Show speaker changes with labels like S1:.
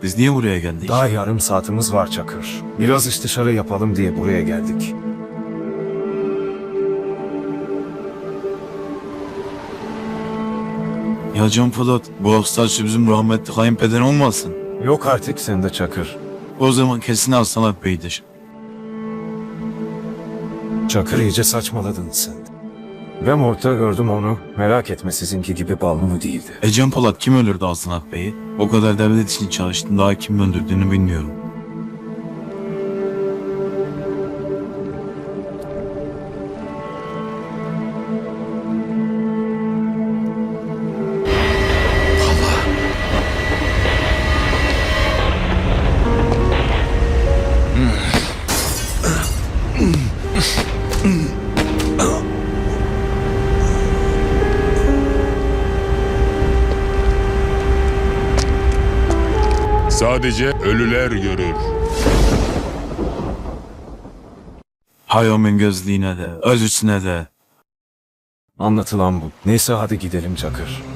S1: Biz niye buraya geldik?
S2: Daha yarım saatimiz var Çakır. Biraz istişare yapalım diye buraya geldik.
S1: Ya Can Polat, bu hastası bizim rahmetli kayınpeder olmasın?
S2: Yok artık sende Çakır.
S1: O zaman kesin Aslan Bey'dir.
S2: Çakır iyice saçmaladın sen. Ben orta gördüm onu. Merak etme sizinki gibi balmumu değildi.
S1: Can Polat kim öldürdü Aslan Bey'i? O kadar devlet için çalıştım, daha kim öldürdüğünü bilmiyorum.
S3: Sadece ölüler görür.
S1: Hay onun gözlüğüne de, özüsüne de.
S2: Anlatılan bu. Neyse hadi gidelim Çakır.